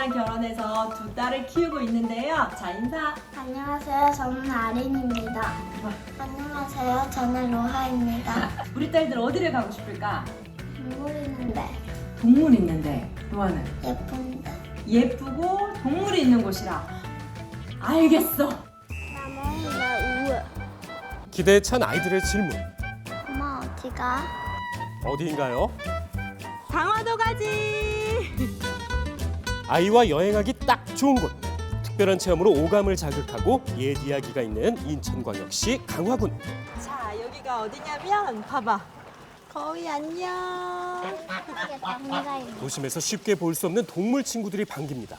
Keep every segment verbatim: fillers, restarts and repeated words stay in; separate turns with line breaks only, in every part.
남편이랑 결혼해서 두 딸을 키우고 있는데요. 자, 인사.
안녕하세요. 저는 아린입니다. 안녕하세요. 저는 로하입니다.
우리 딸들 어디를 가고 싶을까?
동물 있는데
동물 있는데. 로아는?
예쁜데.
예쁘고 동물이 있는 곳이라. 알겠어.
나는 우울.
기대에 찬 아이들의 질문.
엄마 어디가?
어디인가요?
강화도 가지.
아이와 여행하기 딱 좋은 곳. 특별한 체험으로 오감을 자극하고 옛 이야기가 있는 인천광역시 강화군.
자, 여기가 어디냐면 봐봐. 거위 안녕.
이게 당나라 있는.
도심에서 쉽게 볼 수 없는 동물 친구들이 반깁니다.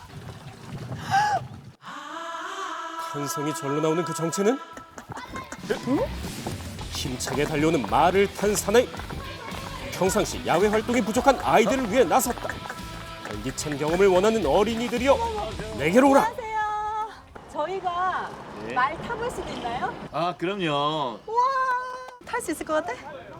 탄성이 절로 나오는 그 정체는? 힘차게 달려오는 말을 탄 사나이. 평상시 야외 활동이 부족한 아이들을 위해 나섰다. 활기찬 경험을 원하는 어린이들이여, 내게로 오라.
안녕하세요. 저희가
네.
말 타볼 수도 있나요?
아 그럼요.
우와. 탈 수 있을 것 같아?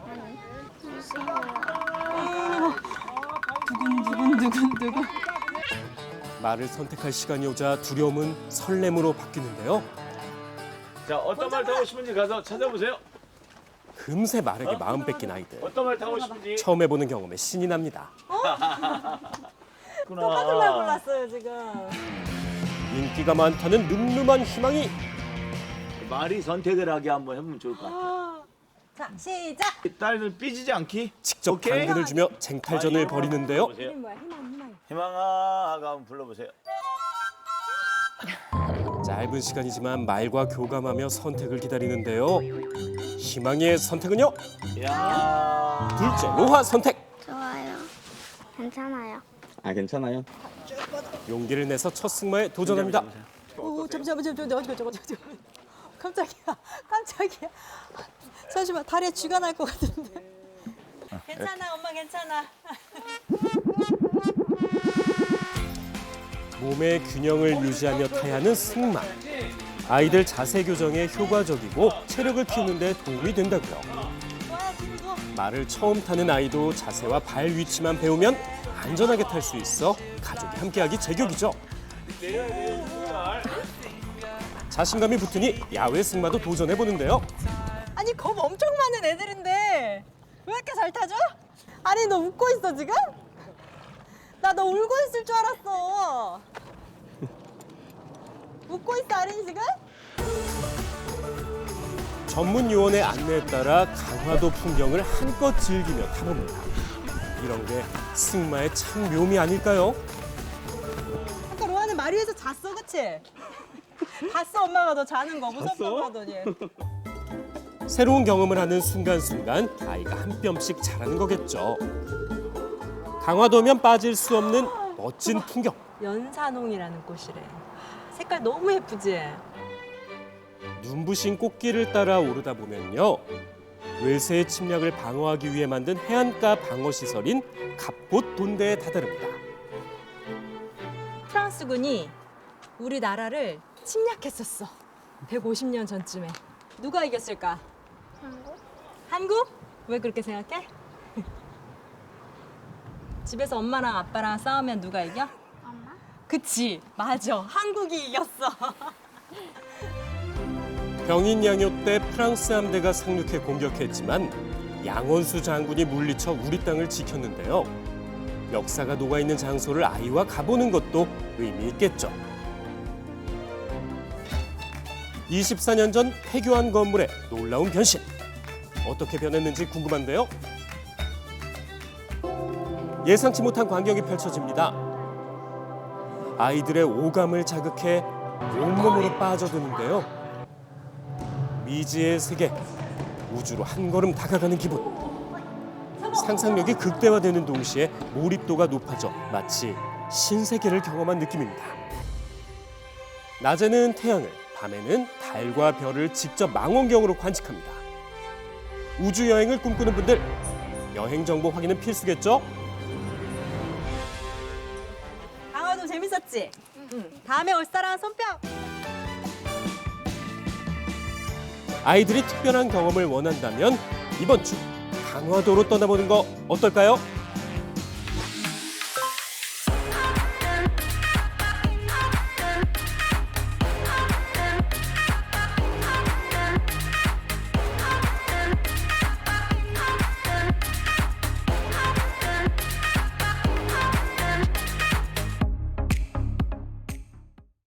두근두근두근두근.
말을 선택할 시간이 오자 두려움은 설렘으로 바뀌는데요.
자 어떤 말 타고 싶은지 가서 찾아보세요.
금세 말에게 마음 뺏긴 아이들.
어떤 말 타고 싶은지.
처음 해보는 경험에 신이 납니다.
똑같은 말 골랐어요 지금.
인기가 많다는 늠름한 희망이.
말이 선택을 하게 한번 해보면 좋을 것 같아요.
자, 시작.
딸들 삐지지 않기.
직접
오케이.
당근을 주며 쟁탈전을 벌이는데요.
불러보세요.
이름 뭐야? 희망, 희망.
희망아 하고 한번 불러보세요.
짧은 시간이지만 말과 교감하며 선택을 기다리는데요. 희망의 선택은요?
야.
둘째 로하 선택.
좋아요. 괜찮아요.
아 괜찮아요.
용기를 내서 첫 승마에 도전합니다.
오, 잠시만, 잠시만, 잠시만, 잠시만, 잠시만. 깜짝이야, 깜짝이야. 잠시만, 다리에 쥐가 날 것 같은데. 괜찮아, 엄마 괜찮아.
몸의 균형을 유지하며 타야 하는 승마. 아이들 자세 교정에 효과적이고 체력을 키우는 데 도움이 된다고요.
좋아요, 친구.
말을 처음 타는 아이도 자세와 발 위치만 배우면 안전하게 탈 수 있어 가족이 함께하기 제격이죠. 자신감이 붙으니 야외 승마도 도전해보는데요.
아니, 겁 엄청 많은 애들인데 왜 이렇게 잘 타죠? 아니, 너 웃고 있어 지금? 나 너 울고 있을 줄 알았어. 웃고 있어, 아린이 지금?
전문 요원의 안내에 따라 강화도 풍경을 한껏 즐기며 타봅니다. 이런 게 승마의 참 묘미 아닐까요?
아까 로아는 말 위에서 잤어, 그치? 봤어, 엄마가 너 자는 거 무섭다고 하더니.
새로운 경험을 하는 순간순간 아이가 한 뼘씩 자라는 거겠죠. 강화도면 빠질 수 없는 멋진 풍경.
연산홍이라는 꽃이래. 색깔 너무 예쁘지?
눈부신 꽃길을 따라 오르다 보면요. 외세의 침략을 방어하기 위해 만든 해안가 방어 시설인 갑봇 돈대에 다다릅니다.
프랑스군이 우리나라를 침략했었어. 백오십 년 전쯤에. 누가 이겼을까?
한국?
한국? 왜 그렇게 생각해? 집에서 엄마랑 아빠랑 싸우면 누가 이겨?
엄마?
그치, 맞아. 한국이 이겼어.
병인 양요 때 프랑스 함대가 상륙해 공격했지만 양원수 장군이 물리쳐 우리 땅을 지켰는데요. 역사가 녹아있는 장소를 아이와 가보는 것도 의미 있겠죠. 이십사 년 전 폐교한 건물의 놀라운 변신. 어떻게 변했는지 궁금한데요. 예상치 못한 광경이 펼쳐집니다. 아이들의 오감을 자극해 온몸으로 빠져드는데요. 미지의 세계, 우주로 한 걸음 다가가는 기분. 상상력이 극대화되는 동시에 몰입도가 높아져 마치 신세계를 경험한 느낌입니다. 낮에는 태양을, 밤에는 달과 별을 직접 망원경으로 관측합니다. 우주 여행을 꿈꾸는 분들, 여행 정보 확인은 필수겠죠?
강화도 재밌었지? 응. 다음에 올 사람 손뼉!
아이들이 특별한 경험을 원한다면 이번 주 강화도로 떠나보는 거 어떨까요?